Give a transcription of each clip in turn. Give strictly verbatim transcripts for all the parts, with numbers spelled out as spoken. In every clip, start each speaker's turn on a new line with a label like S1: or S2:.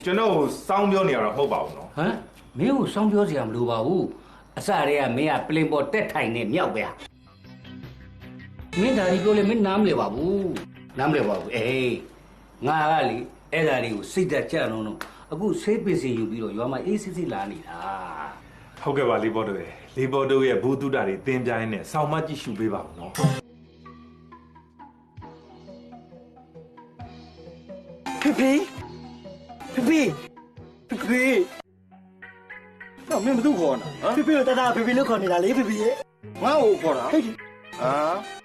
S1: ကျွန်တော်စောင်းပြောနေရတော့မဟုတ်ပါဘူးနော်
S2: ဟမ်မင်းကိုစောင်းပြောစရာမလိုပါဘူးအစတည်းကမင်းကပလင်ပေါ်တက်ထိုင်နေမြောက်ပဲမင်းဒါဒီပြောလေမင်းနားမလဲပါဘူးနားမလဲပါဘူးအေးငါကလေအဲ့ဒါလေးကိုစိတ်သက်ကြအောင်တော့အခုဆေးပစ္စည်းယူပြီးတော့ရွာမှာအေးစစ်စစ်လာနေတာ
S1: ဟုတ်ကဲ့ပါလေးဘော်တို့ရဲ့လေးဘော်တို့ရဲ့ဘူးတုတာတွေတင်းပြိုင်းနဲ့စောင်းမကြည့်ရှုပေးပါဦးနော်
S3: ဖေဖေဖေဖေဖေဖေတော့မင်းဘယ်သူခေါ်တာဖေဖေကိုတတဖေဖေလို့ခေါ်နေတာလေဖေဖေရဲ့ငါ့ကိုခေါ်တာဟဲ့ဟာ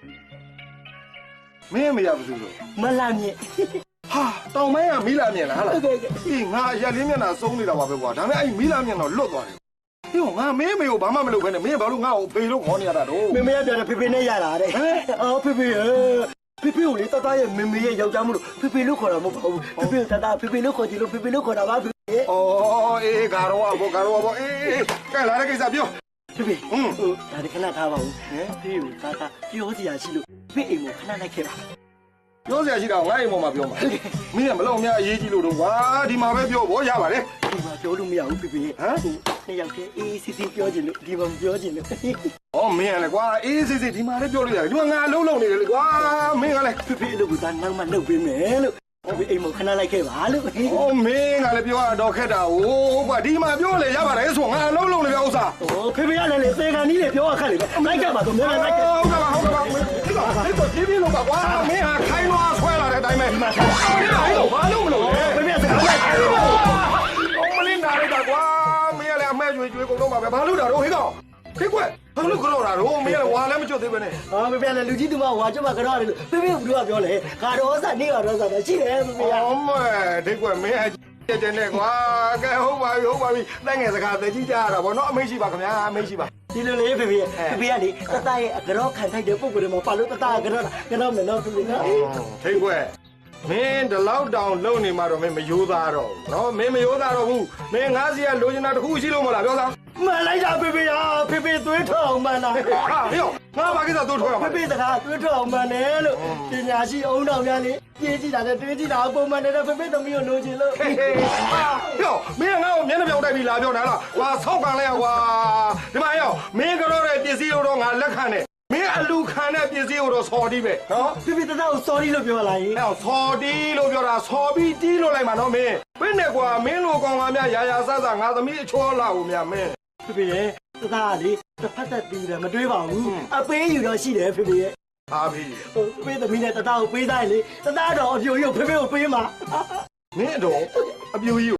S3: မင်းမရဘူးလို့မလာမြင့်ဟာတောင်မိုင်းကမီးလာမြင့်လားဟာလားအေးငါရက်လေးမျက်နှာစုံးနေတာပါပဲကွာဒါပေမဲ့အဲ့မီးလာမြင့်တော့လွတ်သွားတယ်ဟိုငါမင်းမေကိုဘာမှမလုပ်ခဲနဲ့မင်းဘာလို့ငါ့ကိုဖေလို့ခေါ်နေရတာတော့မမေရပြန်တယ်ဖေဖေနဲ့ရတာတဲ့အော်ဖေဖေဖေဖေကိုလေတတရဲ့မမေရဲ့ယောက်ျားမလို့ဖေဖေလို့ခေါ်တာမဟုတ်ပါဘူးဖေဖေတတဖေဖေလို့ခေါ်ကြည့်လို့ဖေဖေလို့ခေါ်တာပါဖေဖေအော်အေးကာရောဘောကာရောဘောအေးကဲလာတဲ့ကိစ္စပြောဖေဖေဟွန်းဒါဒီခဏထားပါဦးဖေကိုတတပြောစရာရှိလို့ဖေအိမ်ကိုခဏလိုက်ခဲ့ပါပြောစရာရှိတာငါ့အိမ်ပေါ်မှာပြောမှာမင်းကမလောက်များအရေးကြီးလို့တော့ကွာဒီမှာပဲပြောဘောရပါတယ်ဒီမှာပြောလို့မရဘူးဖေဖေဟမ်နှစ်ယောက်တည်းအေးစစ်စစ်ပြောချင်လို့ဒီမှာမပြောချင်လို့ဩမင်းကလည်းကွာအေးစစ်စစ်ဒီမှာလည်းပြောလို့ရတယ်ဒီမှာငါအလုံးလုံးနေတယ်လေကွာမင်းကလည်းဖေဖေအလုပ်ကသာနောက်မှလုပ်ပေးမယ်လို့ဖေဖေအိမ်မှာခဏလိုက်ခဲ့ပါလို့ဩမင်းကလည်းပြောရတော့ခက်တာဟုတ်ကွာဒီမှာပြောလေရပါတယ်ဆိုငါအလုံးလုံးနေပြဥစ္စာဩဖေဖေကလည်းလေသေကန်ကြီးလေပြောရခက်လေလိုက်ကြပါတော့မင်းလည်းလိုက်ခဲ့ဟုတ်ကဲ့ပါဟုတ်ကဲ့ပါဒီတော့ဒီပြလို့ပါကွာမင်းဟာခိုင်းသွားဆွဲလာတဲ့အတိုင်းပဲဒီမှာအော်ဘာလို့မလုပ်လဲဖေဖေကစကားလိုက်တယ်အော်မင်းနားလိုက်တာကွာမင်းကလည်းအမဲကျွေးကျွေးကုန်တော့မှာပဲဘာလို့တာတော့ဟေးကောင်ခေကွက်ဘာလို့ကြောက်တာတော့မင်းကလည်းဝါလည်းမကျွတ်သေးပဲနဲ့ဟာဖေဖေကလည်းလူကြီးတူမဝါကျွတ်မှာကြောက်ရတယ်လို့ဖေဖေကဘယ်လိုပြောလဲကတော့စားနေကတော့စားတယ်ရှိတယ်ဖေဖေကအော်မဲဒိတ်ကွက်မင်းအကျဲနဲ့ကွာကဲဟုတ်ပါပြီဟုတ်ပါပြီတိုက်ငယ်စကားသိကြရတာဗောနော်အမိတ်ရှိပါခင်ဗျာအမိတ်ရှိပါဒီလိုလေဖေဖေဖေဖေကလေတတရဲ့အကြောခံထိုက်တဲ့ပုံကိုယ်တွေမှာပါလို့တတကကြောကတော့မယ်နော်ဖေဖေနော်ဒိတ်ကွက်မင်းဒီလောက်တောင်လုံနေမှတော့မင်းမယိုးသားတော့ဘူးနော်မင်းမယိုးသားတော့ဘူးမင်းငါးစီကလိုချင်တာတစ်ခုရှိလို့မလားပြောစမ်းမှန်လိုက်တာဖေဖေဟာဖေဖေသွေးထွက်အောင်မှန်တာဟာဟေ့ငါဘာကိစ္စသွေးထွက်အောင်ဖေဖေစကားသွေးထွက်အောင်မှန်တယ်လို့ပညာရှိအုံတော်များလေပြေးကြည့်တာနဲ့တွေးကြည့်တာပုံမှန်တယ်ဖေဖေသမီးကိုလိုချင်လို့ဟေ့ဟေ့မင်းငါ့ကိုမျက်နှာပြောင်တိုက်ပြီးလာပြောတာလားကွာဆောက်ကန်လိုက်ရကွာဒီမှာဟေ့မင်းကတော့တဲ့ပစ္စည်းတော့ငါလက်ခံတယ်မင်းအလူခံတဲ့ပစ္စည်းကိုတော့စော်တီးပဲနော်ဖေဖေတတကိုစော်တီးလို့ပြောလာရင်ဟဲ့စော်တီးလို့ပြောတာစော်ပြီးတီးလို့လိုက်မှာနော်မင်းဘယ်နဲ့ကွာမင်းလိုကောင်ကများရာရာဆဆငါသမီးအချောလာကိုများမင်းဖေဖေရဲ့တတကလေတစ်ဖက်သက်တီးတယ်မတွေးပါဘူးအပေးယူတော့ရှိတယ်ဖေဖေရဲ့အားဖေးဟိုဖေသမီးနဲ့တတကိုပေးသားရင်လေတတတော့အပြိုကြီးကိုဖေဖေကိုပေးမှာမင်းတော့အပြိုကြီး